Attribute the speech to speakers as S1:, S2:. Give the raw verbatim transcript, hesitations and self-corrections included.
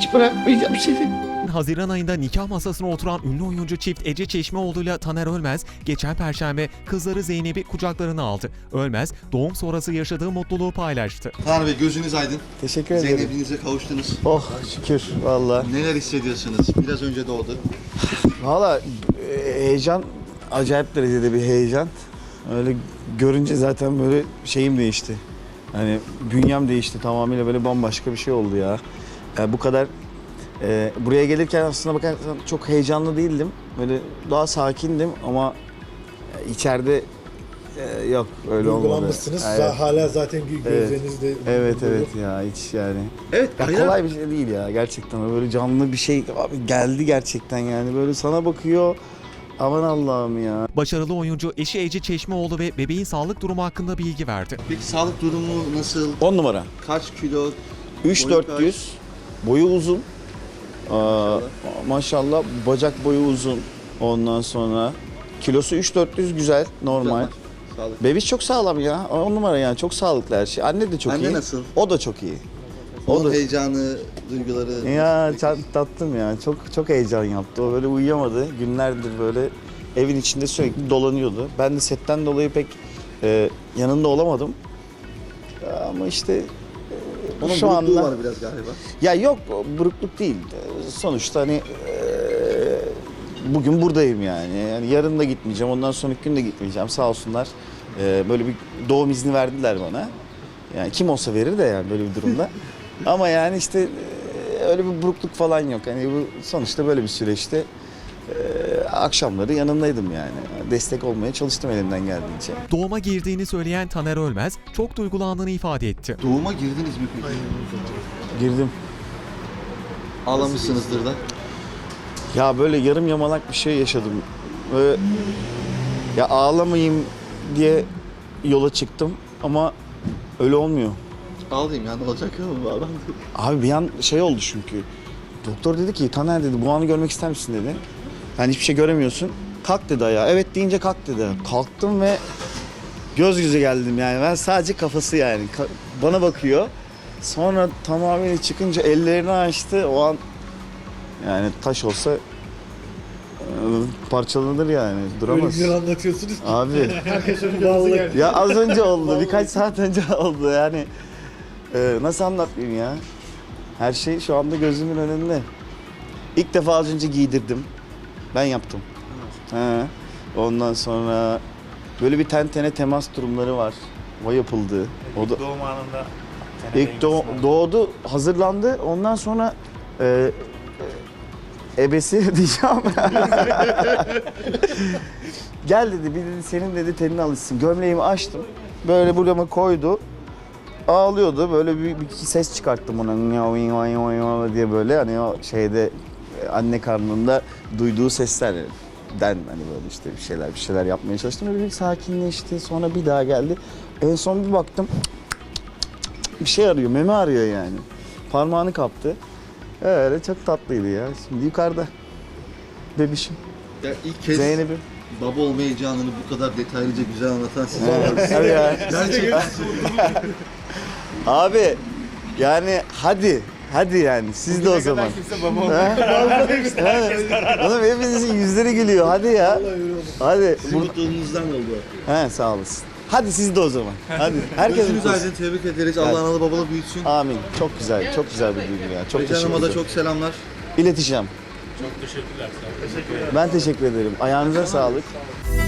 S1: Hiç bırakmayacağım seni.
S2: Haziran ayında nikah masasına oturan ünlü oyuncu çift Ece Çeşmeoğlu ile Taner Ölmez geçen Perşembe kızları Zeynep'i kucaklarına aldı. Ölmez doğum sonrası yaşadığı mutluluğu paylaştı.
S3: Taner Bey gözünüz aydın.
S4: Teşekkür ederim.
S3: Zeynep'inize kavuştunuz.
S4: Oh şükür valla.
S3: Neler hissediyorsunuz? Biraz önce doğdu.
S4: Valla e, heyecan, acayip derecede bir heyecan. Öyle görünce zaten böyle şeyim değişti. Hani bünyem değişti, tamamıyla böyle bambaşka bir şey oldu ya. Yani bu kadar e, buraya gelirken aslında bakarsan çok heyecanlı değildim. Böyle daha sakindim ama içeride e, yok öyle olmadı.
S5: Duygulanmışsınız.
S4: Evet.
S5: Hala zaten gö- gözlerinizde.
S4: Evet evet ya hiç yani.
S3: Evet.
S4: Ya kolay bir şey değil ya gerçekten. Böyle canlı bir şey abi geldi gerçekten yani. Böyle sana bakıyor. Aman Allah'ım ya.
S2: Başarılı oyuncu eşi Ece Çeşmeoğlu ve bebeğin sağlık durumu hakkında bilgi verdi.
S3: Peki sağlık durumu nasıl?
S4: on numara.
S3: Kaç kilo?
S4: üç
S3: Boyu
S4: dört yüz. Boyu uzun. Aa, maşallah bacak boyu uzun. Ondan sonra kilosu üç dört yüz güzel, normal.
S3: Güzel. Sağlık.
S4: Bebiş çok sağlam ya. on numara yani çok sağlıklı her şey. Anne de çok
S3: Anne
S4: iyi.
S3: nasıl?
S4: O da çok iyi. O
S3: Onun
S4: da
S3: heyecanı, duyguları.
S4: ya çok tatlım ya. Çok çok heyecan yaptı. O böyle uyuyamadı. Günlerdir böyle evin içinde sürekli dolanıyordu. Ben de setten dolayı pek e, yanında olamadım. Ama işte
S3: Onun
S4: şu
S3: burukluğu
S4: anda
S3: var biraz galiba.
S4: ya yok burukluk değil. Sonuçta hani e, bugün buradayım yani. Yani yarın da gitmeyeceğim. Ondan sonraki gün de gitmeyeceğim. Sağ olsunlar. E, böyle bir doğum izni verdiler bana. Yani kim olsa verir de yani böyle bir durumda. Ama yani işte e, öyle bir burukluk falan yok. Hani bu sonuçta böyle bir süreçte e, akşamları yanındaydım yani. Destek olmaya çalıştım elimden geldiğince.
S2: Doğuma girdiğini söyleyen Taner Ölmez çok duygulandığını ifade etti.
S3: Doğuma girdiniz mi peki?
S4: Girdim.
S3: Ağlamışsınızdır da.
S4: Ya böyle yarım yamalak bir şey yaşadım. Böyle, ya ağlamayayım diye yola çıktım ama öyle olmuyor.
S3: Ağlayayım ya, ne olacak ya adam.
S4: Abi bir an şey oldu çünkü. Doktor dedi ki Taner dedi bu anı görmek ister misin dedi. Yani hiçbir şey göremiyorsun. Kalk dedi ayağa. Evet deyince kalk dedi. Kalktım ve göz göze geldim yani. Ben sadece kafası yani. Ka- bana bakıyor. Sonra tamamıyla çıkınca ellerini açtı. O an yani taş olsa e, parçalanır yani.
S5: Öyle
S4: Duramaz.
S5: güzel anlatıyorsunuz ki.
S4: Abi
S5: Vallahi.
S4: ya az önce oldu. Birkaç saat önce oldu yani. Ee, nasıl anlatayım ya? Her şey şu anda gözümün önünde. İlk defa az önce giydirdim. Ben yaptım. He. Ondan sonra böyle bir ten tene temas durumları var. O yapıldı. O da
S6: Doğum anında
S4: ilk doğ- doğdu, hazırlandı. Ondan sonra e, e, ebesi diyeceğim. Gel dedi, bir dedi senin dedi tenine alışsın. Gömleğimi açtım. Böyle burama koydu. Ağlıyordu. Böyle bir, bir ses çıkarttım ona diye böyle hani o şeyde anne karnında duyduğu seslerden hani böyle işte bir şeyler bir şeyler yapmaya çalıştım. Böyle bir sakinleşti. Sonra bir daha geldi. En son bir baktım bir şey arıyor. Meme arıyor yani. Parmağını kaptı. Öyle çok tatlıydı ya. Şimdi yukarıda. Bebişim.
S3: Ya ilk kez
S4: Zeynep'im.
S3: baba olma heyecanını bu kadar detaylıca güzel anlatan siz.
S4: Evet. Tabii ya.
S3: Gerçekten.
S4: Abi yani hadi. Hadi yani siz de o zaman.
S6: kimse baba
S4: Evet. Oğlum hepinizin yüzleri gülüyor. Hadi ya. Hadi.
S3: Sizin mutluluğunuzdan oldu.
S4: He sağ olasın. Hadi siz de o zaman. Hadi. Herkes
S3: Gözünüz
S4: mutlu olsun.
S3: aydın, tebrik ederiz. Allah analı babalı büyütsün.
S4: Amin. Çok güzel. Çok güzel bir duygu ya. Çok
S3: Ece
S4: teşekkür
S3: Hanım'a da
S4: ederim.
S3: çok selamlar.
S4: İleteceğim. Çok teşekkürler. Ben teşekkür ederim. Ayağınıza sağlık.